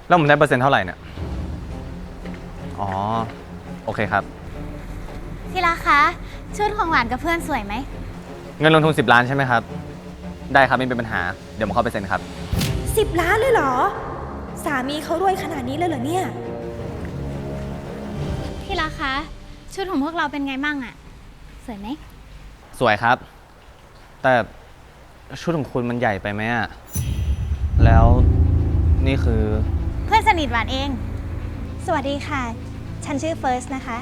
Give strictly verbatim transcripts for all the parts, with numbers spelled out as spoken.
แล้วผมได้เปอร์เซ็นต์เท่าไหร่เนี่ยอ๋อโอเคครับที่รักคะชุดของหวานกับเพื่อนสวยไหมเงินลงทุนสิบล้านใช่ไหมครับได้ครับไม่เป็นปัญหาเดี๋ยวผมเข้าไปเซ็นครับสิบล้านเลยเหรอสามีเขารวยขนาดนี้เลยเหรอเนี่ยที่รักคะชุดของพวกเราเป็นไงมั่งอะสวยไหมสวยครับแต่ชุดของคุณมันใหญ่ไปไหมอะแล้วนี่คือเพื่อนสนิทหวานเองสวัสดีค่ะฉันชื่อเฟิร์สนะคะ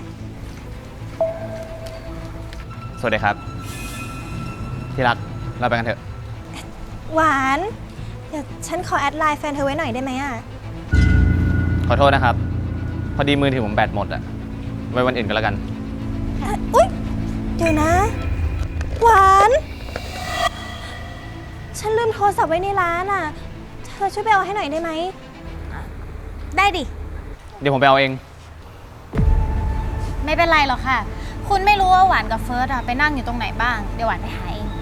สวัสดีครับที่รักเราไปกันเถอะหวานเดี๋ยวฉันขอแอดไลน์แฟนเธอไว้หน่อยได้ไหมอ่ะขอโทษนะครับพอดีมือถือผมแบตหมดอะไว้วันอื่นก็แล้วกันอุ๊ยเดี๋ยวนะหวานฉันลืมโทรศัพท์ไว้ในร้านอ่ะเธอช่วยไปเอาให้หน่อยได้ไหมได้ดิเดี๋ยวผมไปเอาเองไม่เป็นไรหรอกค่ะคุณไม่รู้ว่าหวานกับเฟิร์สอะไปนั่งอยู่ตรงไหนบ้างเดี๋ยวหวานไปหาเอง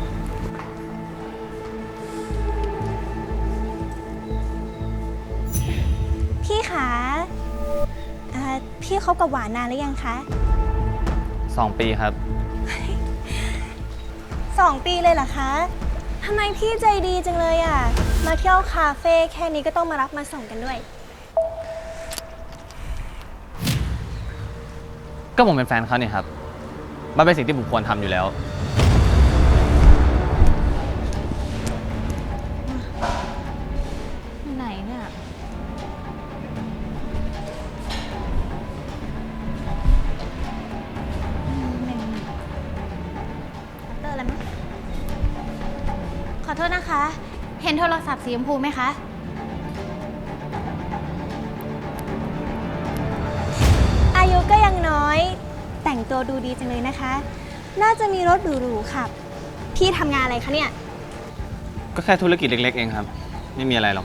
พี่คะเอ่อพี่คบกับหวานนานหรือยังคะสองปีครับสองปีเลยเหรอคะทำไมพี่ใจดีจังเลยอ่ะมาเที่ยวคาเฟ่แค่นี้ก็ต้องมารับมาส่งกันด้วยก็ผมเป็นแฟนเขาเนี่ยครับมันเป็นสิ่งที่ผมควรทำอยู่แล้วไหนเนี่ยเตอร์อะไรมั้งขอโทษนะคะ เห็นโทรศัพท์สีชมพูไหมคะอายุก็ยังน้อยแต่งตัวดูดีจังเลยนะคะน่าจะมีรถหรูๆขับพี่ทำงานอะไรคะเนี่ยก็แค่ธุรกิจเล็กๆเองครับไม่มีอะไรหรอก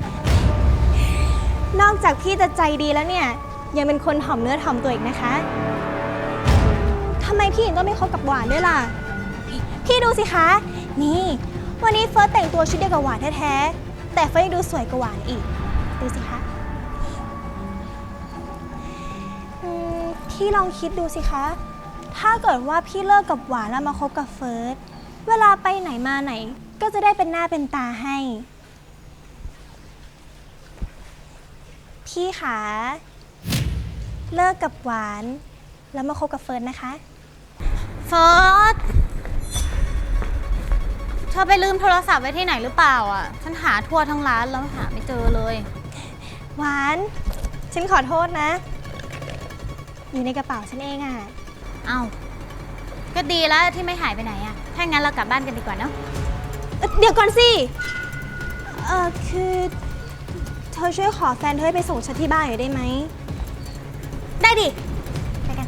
นอกจากพี่จะใจดีแล้วเนี่ยยังเป็นคนถ่อมเนื้อถ่อมตัวอีกนะคะทำไมพี่ถึงต้องไม่คบกับหวานด้วยล่ะพี่ดูสิคะนี่วันนี้เฟิร์สแต่งตัวชุดเดียวกับหวานแท้ๆแต่เฟิร์สยังดูสวยกว่าหวานอีกดูสิคะพี่ลองคิดดูสิคะถ้าเกิดว่าพี่เลิกกับหวานแล้วมาคบกับเฟิร์สเวลาไปไหนมาไหนก็จะได้เป็นหน้าเป็นตาให้พี่คะเลิกกับหวานแล้วมาคบกับเฟิร์สนะคะเฟิร์สเธอไปลืมโทรศัพท์ไว้ที่ไหนหรือเปล่าอ่ะฉันหาทั่วทั้งร้านแล้วหาไม่เจอเลยหวานฉันขอโทษนะอยู่ในกระเป๋าฉันเองอ่ะเอ้าก็ดีแล้วที่ไม่หายไปไหนอ่ะถ้างั้นเรากลับบ้านกันดีกว่าเนาะเดี๋ยวก่อนสิเออคือเธอช่วยขอแฟนเธอให้ไปส่งฉันที่บ้านหน่อยได้ไหมได้ดิไปกัน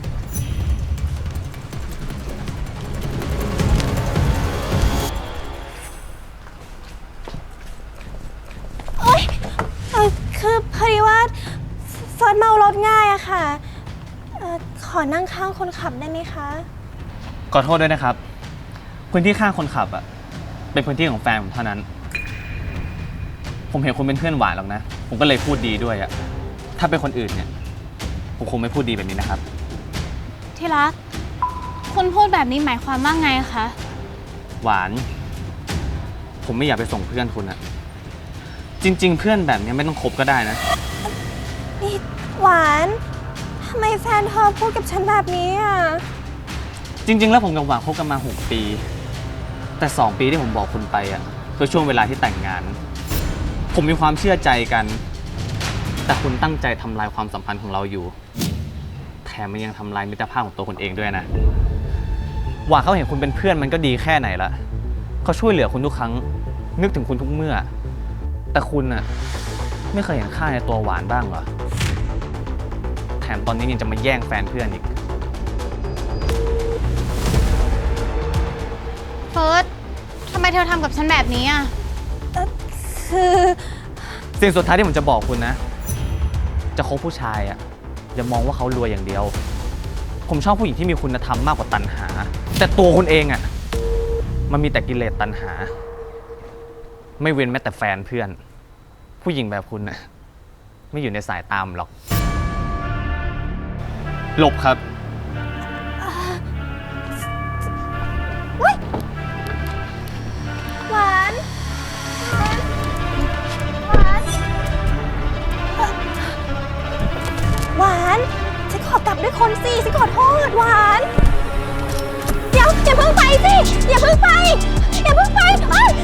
โอ๊ยเออคือพอดีว่าเฟิร์สเมารถง่ายอะค่ะเออขอนั่งข้างคนขับได้ไหมคะขอโทษด้วยนะครับพื้นที่ข้างคนขับอ่ะเป็นพื้นที่ของแฟนผมเท่านั้นผมเห็นคุณเป็นเพื่อนหวานหรอกนะผมก็เลยพูดดีด้วยอ่ะถ้าเป็นคนอื่นเนี่ยผมคงไม่พูดดีแบบนี้นะครับที่รักคุณพูดแบบนี้หมายความว่าไงคะหวานผมไม่อยากไปส่งเพื่อนคุณอะจริงๆเพื่อนแบบนี้ไม่ต้องคบก็ได้นะนี่หวานทำไมแฟนเธอพูดกับฉันแบบนี้อ่ะจริงๆแล้วผมกับหวานคบกันมาหกปีแต่สองปีที่ผมบอกคุณไปอ่ะคือช่วงเวลาที่แต่งงานผมมีความเชื่อใจกันแต่คุณตั้งใจทำลายความสัมพันธ์ของเราอยู่แถมมันยังทำลายมิตรภาพของตัวคุณเองด้วยนะหวานเขาเห็นคุณเป็นเพื่อนมันก็ดีแค่ไหนละเขาช่วยเหลือคุณทุกครั้งนึกถึงคุณทุกเมื่อแต่คุณน่ะไม่เคยเห็นค่าในตัวหวานบ้างเหรอแถมตอนนี้ยังจะมาแย่งแฟนเพื่อนอีกเฟิร์สทำไมเธอทำกับฉันแบบนี้อ่ะคือสิ่งสุดท้ายที่ผมจะบอกคุณนะจะคบผู้ชายอ่ะอย่ามองว่าเขารวยอย่างเดียวผมชอบผู้หญิงที่มีคุณธรรมมากกว่าตัณหาแต่ตัวคุณเองอ่ะมันมีแต่กิเลสตัณหาไม่เว้นแม้แต่แฟนเพื่อนผู้หญิงแบบคุณน่ะไม่อยู่ในสายตามหรอก หลบครับหวานหวานเอ่อหวานฉันขอกลับด้วยคนสิฉันขอโทษหวาน เดี๋ยวอย่าเพิ่งไปสิ อย่าเพิ่งไป อย่าเพิ่งไปเอ้ย